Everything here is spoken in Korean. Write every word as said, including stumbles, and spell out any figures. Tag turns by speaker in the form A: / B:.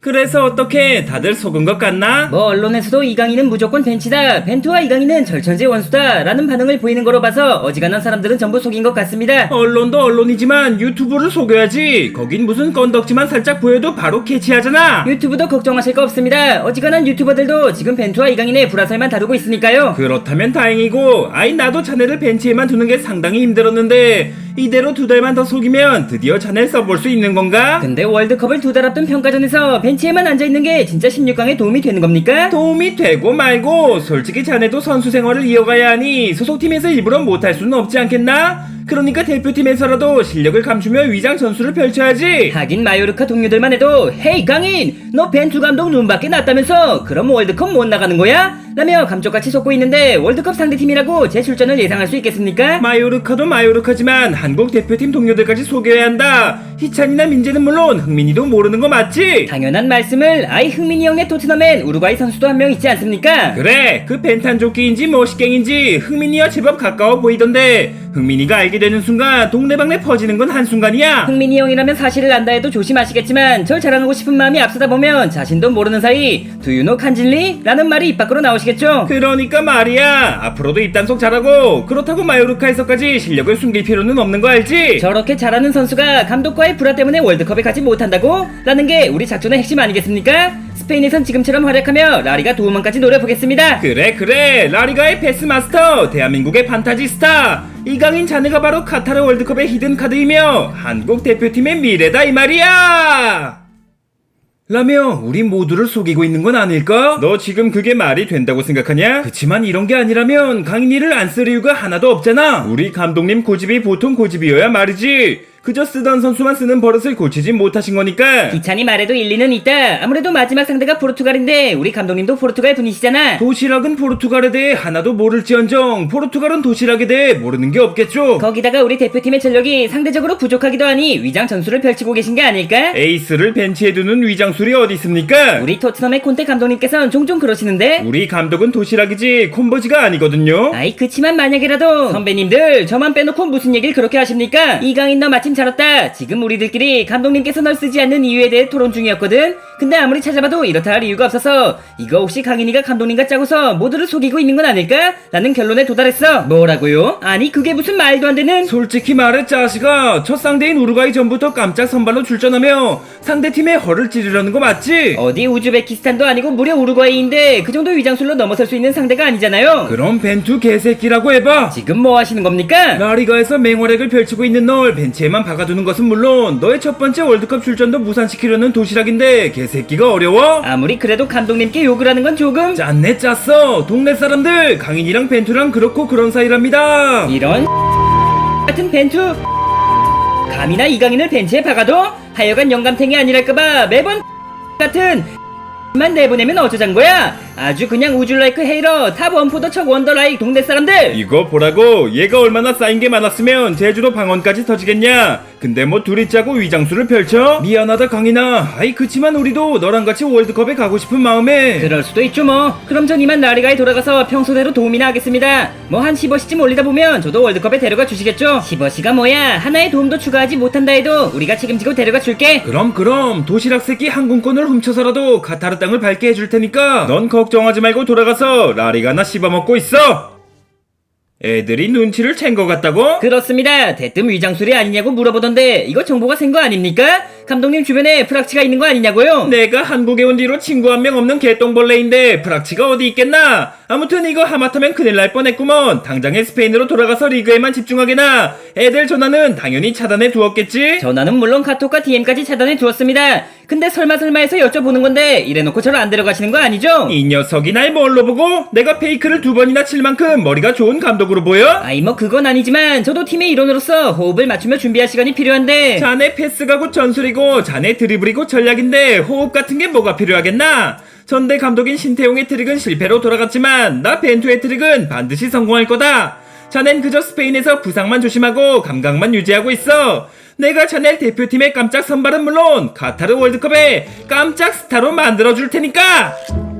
A: 그래서 어떻게 다들 속은 것 같나?
B: 뭐 언론에서도 이강인은 무조건 벤치다, 벤투와 이강인은 절천지 원수다 라는 반응을 보이는 거로 봐서 어지간한 사람들은 전부 속인 것 같습니다.
A: 언론도 언론이지만 유튜브를 속여야지. 거긴 무슨 건덕지만 살짝 보여도 바로 캐치하잖아.
B: 유튜브도 걱정하실 거 없습니다. 어지간한 유튜버들도 지금 벤투와 이강인의 불화설만 다루고 있으니까요.
A: 그렇다면 다행이고, 아이 나도 자네를 벤치에만 두는 게 상당히 힘들었는데 이대로 두 달만 더 속이면 드디어 자네를 써볼 수 있는 건가?
B: 근데 월드컵을 두 달 앞둔 평가전에서 벤치에만 앉아있는 게 진짜 십육 강에 도움이 되는 겁니까?
A: 도움이 되고 말고 솔직히 자네도 선수 생활을 이어가야 하니 소속팀에서 일부러 못할 수는 없지 않겠나? 그러니까 대표팀에서라도 실력을 감추며 위장 전술을 펼쳐야지.
B: 하긴 마요르카 동료들만 해도 헤이 강인 너 벤투 감독 눈밖에 났다면서 그럼 월드컵 못 나가는 거야? 라며 감쪽같이 속고 있는데 월드컵 상대팀이라고 제 출전을 예상할 수 있겠습니까?
A: 마요르카도 마요르카지만 한국 대표팀 동료들까지 속여야 한다. 희찬이나 민재는 물론 흥민이도 모르는 거 맞지?
B: 당연한 말씀을. 아이 흥민이 형네 토트넘엔 우루과이 선수도 한 명 있지 않습니까?
A: 그래, 그 벤탄조끼인지 뭐시갱인지 흥민이와 제법 가까워 보이던데 흥민이가 알게 되는 순간 동네방네 퍼지는 건 한순간이야.
B: 흥민이 형이라면 사실을 안다 해도 조심하시겠지만 절 자랑하고 싶은 마음이 앞서다 보면 자신도 모르는 사이 두유노 칸질리? 라는 말이 입 밖으로 나오시겠죠?
A: 그러니까 말이야, 앞으로도 입단속 잘하고 그렇다고 마요르카에서까지 실력을 숨길 필요는 없는 거 알지?
B: 저렇게 잘하는 선수가 감독과의 불화 때문에 월드컵에 가지 못한다고? 라는 게 우리 작전의 핵심 아니겠습니까? 스페인에선 지금처럼 활약하며 라리가 도움만까지 노려보겠습니다.
A: 그래 그래, 라리가의 패스마스터, 대한민국의 판타지 스타 이강인 자네가 바로 카타르 월드컵의 히든카드이며 한국 대표팀의 미래다 이 말이야. 라며 우리 모두를 속이고 있는 건 아닐까? 너 지금 그게 말이 된다고 생각하냐? 그치만 이런 게 아니라면 강인이를 안 쓸 이유가 하나도 없잖아. 우리 감독님 고집이 보통 고집이어야 말이지. 그저 쓰던 선수만 쓰는 버릇을 고치지 못하신 거니까.
B: 기찬이 말에도 일리는 있다. 아무래도 마지막 상대가 포르투갈인데 우리 감독님도 포르투갈 분이시잖아.
A: 도시락은 포르투갈에 대해 하나도 모를지언정 포르투갈은 도시락에 대해 모르는 게 없겠죠.
B: 거기다가 우리 대표팀의 전력이 상대적으로 부족하기도 하니 위장 전술을 펼치고 계신 게 아닐까?
A: 에이스를 벤치에 두는 위장술이 어디 있습니까?
B: 우리 토트넘의 콘테 감독님께서는 종종 그러시는데
A: 우리 감독은 도시락이지 콤보지가 아니거든요.
B: 아이 그치만 만약이라도 선배님들 저만 빼놓고 무슨 얘기를 그렇게 하십니까? 이강인 너 마침 잘 왔다. 지금 우리들끼리 감독님께서 널 쓰지 않는 이유에 대해 토론 중이었거든. 근데 아무리 찾아봐도 이렇다 할 이유가 없어서 이거 혹시 강인이가 감독님과 짜고서 모두를 속이고 있는 건 아닐까? 라는 결론에 도달했어. 뭐라고요? 아니 그게 무슨 말도 안 되는.
A: 솔직히 말해 짜시가 첫 상대인 우루과이 전부터 깜짝 선발로 출전하며 상대팀의 허를 찌르려는 거 맞지?
B: 어디 우즈베키스탄도 아니고 무려 우루과이인데 그 정도 위장술로 넘어설 수 있는 상대가 아니잖아요.
A: 그럼 벤투 개새끼라고 해봐.
B: 지금 뭐 하시는 겁니까?
A: 라리가에서 맹활약을 펼치고 있는 널 벤치에만 박아두는 것은 물론 너의 첫 번째 월드컵 출전도 무산시키려는 도시락인데 개새끼가 어려워?
B: 아무리 그래도 감독님께 욕을 하는 건 조금.
A: 짰네 짰어. 동네 사람들 강인이랑 벤투랑 그렇고 그런 사이랍니다.
B: 이런 같은 벤투 감이나 이강인을 벤치에 박아도 하여간 영감탱이 아니랄까봐 매번 같은 만 내보내면 어쩌잔 거야? 아주 그냥 우줄라이크 헤이러 탑 원포더 척 원더라이 동네 사람들.
A: 이거 보라고. 얘가 얼마나 쌓인 게 많았으면 제주도 방언까지 터지겠냐. 근데 뭐 둘이 짜고 위장술을 펼쳐? 미안하다 강인아. 아이 그치만 우리도 너랑 같이 월드컵에 가고 싶은 마음에.
B: 그럴 수도 있죠 뭐. 그럼 전 이만 라리가에 돌아가서 평소대로 도움이나 하겠습니다. 뭐 한 십어시쯤 올리다 보면 저도 월드컵에 데려가 주시겠죠? 십어시가 뭐야. 하나의 도움도 추가하지 못한다 해도 우리가 책임지고 데려가 줄게.
A: 그럼 그럼 도시락 새끼 항공권을 훔쳐서라도 카타르 땅을 밟게 해줄 테니까 넌 걱정하지 말고 돌아가서 라리가나 씹어먹고 있어. 애들이 눈치를 챈 것 같다고?
B: 그렇습니다. 대뜸 위장술이 아니냐고 물어보던데 이거 정보가 센 거 아닙니까? 감독님 주변에 프락치가 있는 거 아니냐고요?
A: 내가 한국에 온 뒤로 친구 한 명 없는 개똥벌레인데 프락치가 어디 있겠나? 아무튼 이거 하마터면 큰일 날 뻔했구먼. 당장에 스페인으로 돌아가서 리그에만 집중하게나. 애들 전화는 당연히 차단해 두었겠지?
B: 전화는 물론 카톡과 디엠까지 차단해 두었습니다. 근데 설마 설마 해서 여쭤보는 건데 이래놓고 저를 안 데려가시는 거 아니죠?
A: 이 녀석이 날 뭘로 보고? 내가 페이크를 두 번이나 칠 만큼 머리가 좋은 감독으로 보여?
B: 아이 뭐 그건 아니지만 저도 팀의 일원으로서 호흡을 맞추며 준비할 시간이 필요한데.
A: 자네 패스가 곧 전술이고 자네 드리블이고 전략인데 호흡 같은 게 뭐가 필요하겠나? 전대 감독인 신태용의 트릭은 실패로 돌아갔지만 나 벤투의 트릭은 반드시 성공할 거다. 자넨 그저 스페인에서 부상만 조심하고 감각만 유지하고 있어. 내가 자네 대표팀의 깜짝 선발은 물론 카타르 월드컵에 깜짝 스타로 만들어줄 테니까.